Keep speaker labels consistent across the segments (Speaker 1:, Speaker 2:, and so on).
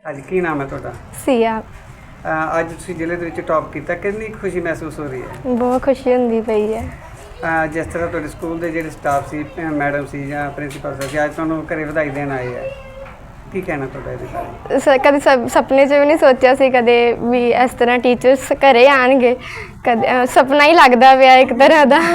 Speaker 1: ਅੱਜ ਕੀ ਨਾਮ ਹੈ ਤੁਹਾਡਾ?
Speaker 2: ਸੀਆ।
Speaker 1: ਅੱਜ ਤੁਸੀਂ ਜ਼ਿਲ੍ਹੇ ਦੇ ਵਿੱਚ ਟੌਪ ਕੀਤਾ, ਕਿੰਨੀ ਖੁਸ਼ੀ ਮਹਿਸੂਸ ਹੋ ਰਹੀ ਹੈ?
Speaker 2: ਬਹੁਤ ਖੁਸ਼ੀ ਹੁੰਦੀ ਪਈ ਹੈ।
Speaker 1: ਜਿਸ ਤਰ੍ਹਾਂ ਤੁਹਾਡੇ ਸਕੂਲ ਦੇ ਜਿਹੜੇ ਸਟਾਫ ਸੀ, ਮੈਡਮ ਸੀ ਜਾਂ ਪ੍ਰਿੰਸੀਪਲ ਸੀ, ਅੱਜ ਤੁਹਾਨੂੰ ਘਰੇ ਵਧਾਈ ਦੇਣ ਆਏ ਹੈ, ਕੀ ਕਹਿਣਾ ਤੁਹਾਡਾ ਇਹਦੇ ਬਾਰੇ?
Speaker 2: ਕਦੇ ਸੁਪਨੇ 'ਚ ਵੀ ਨਹੀਂ ਸੋਚਿਆ ਸੀ ਕਦੇ ਵੀ ਇਸ ਤਰ੍ਹਾਂ ਟੀਚਰਸ ਘਰੇ ਆਉਣਗੇ। ਕਦੇ ਸੁਪਨਾ ਹੀ ਲੱਗਦਾ ਪਿਆ ਇੱਕ ਤਰ੍ਹਾਂ ਦਾ।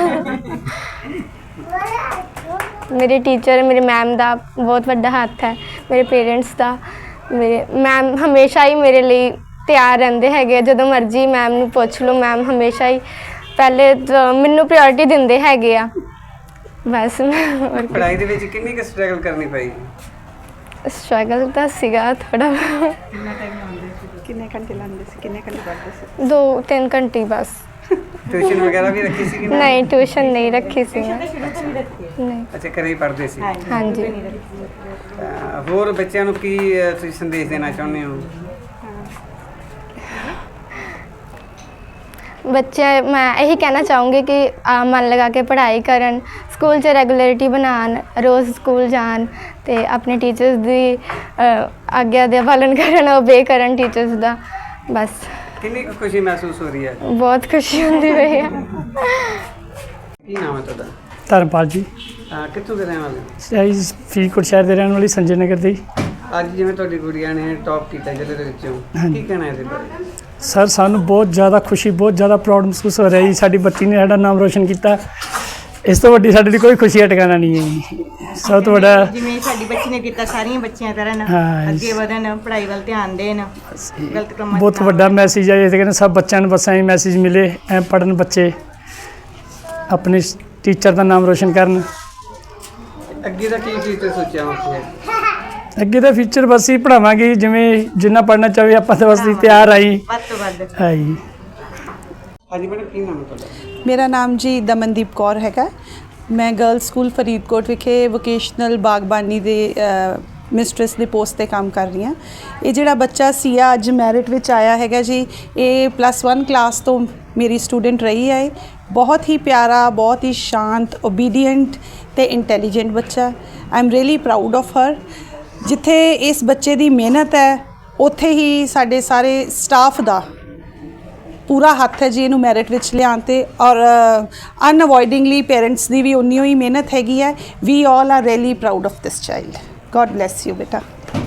Speaker 2: ਮੇਰੇ ਟੀਚਰ, ਮੇਰੇ ਮੈਮ ਦਾ ਬਹੁਤ ਵੱਡਾ ਹੱਥ ਹੈ, ਮੇਰੇ ਪੇਰੈਂਟਸ ਦਾ। ਮੇਰੇ ਮੈਮ ਹਮੇਸ਼ਾ ਹੀ ਮੇਰੇ ਲਈ ਤਿਆਰ ਰਹਿੰਦੇ ਹੈਗੇ, ਜਦੋਂ ਮਰਜ਼ੀ ਮੈਮ ਨੂੰ ਪੁੱਛ ਲਓ, ਮੈਮ ਹਮੇਸ਼ਾ ਹੀ ਪਹਿਲੇ ਮੈਨੂੰ ਪ੍ਰਾਇੋਰਟੀ ਦਿੰਦੇ ਹੈਗੇ ਆ। ਬਸ
Speaker 1: ਪੜ੍ਹਾਈ ਦੇ ਵਿੱਚ ਕਿੰਨੀ ਕੁ ਸਟਰਗਲ ਕਰਨੀ ਪਈ?
Speaker 2: ਸਟਰਗਲ ਤਾਂ ਸੀਗਾ ਥੋੜਾ।
Speaker 3: ਕਿੰਨੇ ਘੰਟੇ ਲਾਉਂਦੇ ਸੀ, ਕਿੰਨੇ ਘੰਟੇ ਪੜ੍ਹਦੇ ਸੀ?
Speaker 2: 2-3 ਘੰਟੇ ਬਸ।
Speaker 1: ਟਿਊਸ਼ਨ ਵਗੈਰਾ ਵੀ ਰੱਖੀ ਸੀ?
Speaker 2: ਨਹੀਂ, ਟਿਊਸ਼ਨ ਨਹੀਂ ਰੱਖੀ ਸੀ ਮੈਂ। ਨਹੀਂ।
Speaker 1: ਅੱਛਾ, ਘਰੇ ਹੀ ਪੜ੍ਹਦੇ ਸੀ?
Speaker 2: ਹਾਂਜੀ।
Speaker 1: ਹੋਰ ਬੱਚਿਆਂ ਨੂੰ ਕੀ ਤੁਸੀਂ ਸੰਦੇਸ਼ ਦੇਣਾ ਚਾਹੁੰਦੇ ਹੋ?
Speaker 2: ਬੱਚੇ ਮੈਂ ਇਹੀ ਕਹਿਣਾ ਚਾਹੂੰਗੀ ਕਿ ਮਨ ਲਗਾ ਕੇ ਪੜ੍ਹਾਈ ਕਰਨ, ਸਕੂਲ 'ਚ ਰੈਗੂਲਰਿਟੀ ਬਣਾਉਣ, ਰੋਜ਼ ਸਕੂਲ ਜਾਣ ਅਤੇ ਆਪਣੇ ਟੀਚਰਸ ਦੀ ਆਗਿਆ ਦਾ ਪਾਲਣ ਕਰਨ, ਓਬੇ ਕਰਨ ਟੀਚਰਸ ਦਾ। ਬਸ।
Speaker 1: ਕਿੰਨੀ ਕੁ ਖੁਸ਼ੀ ਮਹਿਸੂਸ ਹੋ ਰਹੀ ਹੈ?
Speaker 2: ਬਹੁਤ ਖੁਸ਼ੀ ਹੁੰਦੀ ਪਈ ਹੈ।
Speaker 1: ਕੀ ਨਾਮ ਹੈ ਤੁਹਾਡਾ?
Speaker 4: ਧਰਮਪਾਲ ਜੀ।
Speaker 1: ਕਿੱਥੋਂ ਦੇ ਰਹਿਣ ਵਾਲੇ?
Speaker 4: ਅਸੀਂ ਫਰੀਦਕੋਟ ਸ਼ਹਿਰ ਦੇ ਰਹਿਣ ਵਾਲੀ, ਸੰਜੇ ਨਗਰ ਦੀ।
Speaker 1: ਅੱਜ ਜਿਵੇਂ ਤੁਹਾਡੀ ਗੁੜੀਆ ਨੇ ਟੌਪ ਕੀਤਾ ਜ਼ਿਲ੍ਹੇ ਦੇ ਵਿੱਚੋਂ, ਕੀ ਕਹਿਣਾ ਇਹਦੇ ਬਾਰੇ?
Speaker 4: ਸਰ, ਸਾਨੂੰ ਬਹੁਤ ਜ਼ਿਆਦਾ ਖੁਸ਼ੀ, ਬਹੁਤ ਜ਼ਿਆਦਾ ਪ੍ਰਾਊਡ ਮਹਿਸੂਸ ਹੋ ਰਿਹਾ ਜੀ। ਸਾਡੀ ਬੱਚੀ ਨੇ ਸਾਡਾ ਨਾਮ ਰੋਸ਼ਨ ਕੀਤਾ। ਇਸ ਤੋਂ ਵੱਡੀ ਸਾਡੇ ਲਈ ਕੋਈ ਖੁਸ਼ੀ ਦਾ ਟਿਕਾਣਾ ਨਹੀਂ ਹੈ ਜੀ। ਸਭ ਤੋਂ ਵੱਡਾ
Speaker 3: ਜਿਵੇਂ ਸਾਡੀ ਬੱਚੀ ਨੇ ਕੀਤਾ, ਸਾਰੀਆਂ ਬੱਚੀਆਂ ਕਰਨ, ਅੱਗੇ ਵਧਣ, ਪੜ੍ਹਾਈ ਵੱਲ ਧਿਆਨ ਦੇਣ, ਗਲਤ ਕੰਮਾਂ
Speaker 4: ਬਹੁਤ ਵੱਡਾ ਮੈਸੇਜ ਹੈ। ਇਹ ਕਹਿੰਦੇ ਸਭ ਬੱਚਿਆਂ ਨੂੰ ਬਸ ਐਂ ਮੈਸੇਜ ਮਿਲੇ, ਐਂ ਪੜ੍ਹਨ ਬੱਚੇ, ਆਪਣੇ ਟੀਚਰ ਦਾ ਨਾਮ ਰੋਸ਼ਨ ਕਰਨ।
Speaker 1: ਅੱਗੇ ਦਾ ਕੀ ਫਿਊਚਰ ਸੋਚਿਆ ਹੋਇਆ?
Speaker 4: ਅੱਗੇ ਦਾ ਫਿਊਚਰ ਬਸ ਹੀ ਪੜ੍ਹਾਵਾਂਗੇ, ਜਿਵੇਂ ਜਿੰਨਾ ਪੜ੍ਹਨਾ ਚਾਹੇ ਆਪਾਂ ਤਾਂ ਬਸ ਤਿਆਰ ਆਈ
Speaker 3: ਵੱਧ ਤੋਂ ਵੱਧ।
Speaker 4: ਹੈ ਜੀ।
Speaker 1: ਹਾਂਜੀ ਮੈਡਮ, ਕੀ ਨਾਮ ਹੈ ਤੁਹਾਡਾ?
Speaker 5: ਮੇਰਾ ਨਾਮ ਜੀ ਦਮਨਦੀਪ ਕੌਰ ਹੈਗਾ। ਮੈਂ ਗਰਲਸ ਸਕੂਲ ਫਰੀਦਕੋਟ ਵਿਖੇ ਵੋਕੇਸ਼ਨਲ ਬਾਗਬਾਨੀ ਦੇ ਮਿਸਟਰਸ ਦੇ ਪੋਸਟ 'ਤੇ ਕੰਮ ਕਰ ਰਹੀ ਹਾਂ। ਇਹ ਜਿਹੜਾ ਬੱਚਾ ਸੀਆ ਅੱਜ ਮੈਰਿਟ ਵਿੱਚ ਆਇਆ ਹੈਗਾ ਜੀ, ਇਹ +1 ਕਲਾਸ ਤੋਂ ਮੇਰੀ ਸਟੂਡੈਂਟ ਰਹੀ ਹੈ। ਬਹੁਤ ਹੀ ਪਿਆਰਾ, ਬਹੁਤ ਹੀ ਸ਼ਾਂਤ, ਓਬੀਡੀਐਂਟ ਅਤੇ ਇੰਟੈਲੀਜੈਂਟ ਬੱਚਾ। I am really proud of her. ਜਿੱਥੇ ਇਸ ਬੱਚੇ ਦੀ ਮਿਹਨਤ ਹੈ, ਉੱਥੇ ਹੀ ਸਾਡੇ ਸਾਰੇ ਸਟਾਫ ਦਾ ਪੂਰਾ ਹੱਥ ਹੈ ਜੀ ਇਹਨੂੰ ਮੈਰਿਟ ਵਿੱਚ ਲਿਆਉਣ 'ਤੇ। ਔਰ ਅਨਅਵੋਇਡਿੰਗਲੀ ਪੇਰੈਂਟਸ ਦੀ ਵੀ ਉਨੀ ਹੀ ਮਿਹਨਤ ਹੈਗੀ ਹੈ। We all are really proud of this child. God bless you ਬੇਟਾ।